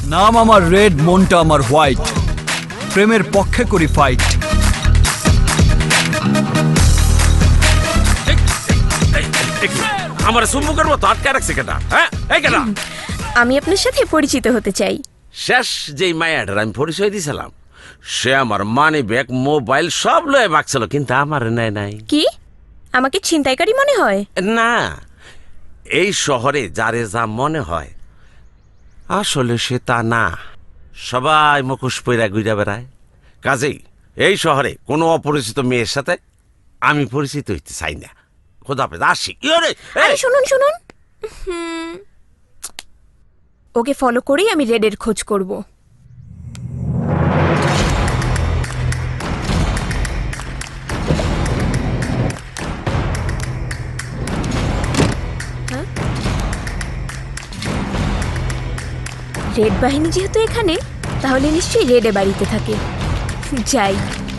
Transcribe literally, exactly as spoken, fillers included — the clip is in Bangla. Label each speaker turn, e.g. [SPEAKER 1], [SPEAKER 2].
[SPEAKER 1] নাম আমার রেড, মনটা আমার হোয়াইট, প্রেমের পক্ষে করি ফাইট।
[SPEAKER 2] আমার সুম্মুখের মতো আটকে রাখছে কেটা? হ্যাঁ, এই কেটা?
[SPEAKER 3] আমি আপনার সাথে পরিচিত হতে চাই।
[SPEAKER 2] শেষ যেই মায়াটার আমি পরিচয় দিয়েছিলাম, সে আমার মানি ব্যাগ, মোবাইল সব লয়ে বাকছিল, কিন্তু আমার নেয় নাই।
[SPEAKER 3] কি আমাকে ছিনতাইকারী মনে হয়?
[SPEAKER 2] না, এই শহরে যারে যা মনে হয় আসলে সে তা না। সবাই মুখোশ পইরা ঘুরে বেড়ায়। কাজেই এই শহরে কোনো অপরিচিত মেয়ের সাথে আমি পরিচিত হইতে চাই না। খোদা হাফেজ, আসি। ইয়োরে, এই!
[SPEAKER 3] আরে শুনুন শুনুন, হুম, ওকে ফলো করেই আমি রেডের খোঁজ করব। হ্যাঁ? রেড বাহিনী যেহেতু এখানে, তাহলে নিশ্চয়ই রেডে বাড়িতে থাকে। যাই।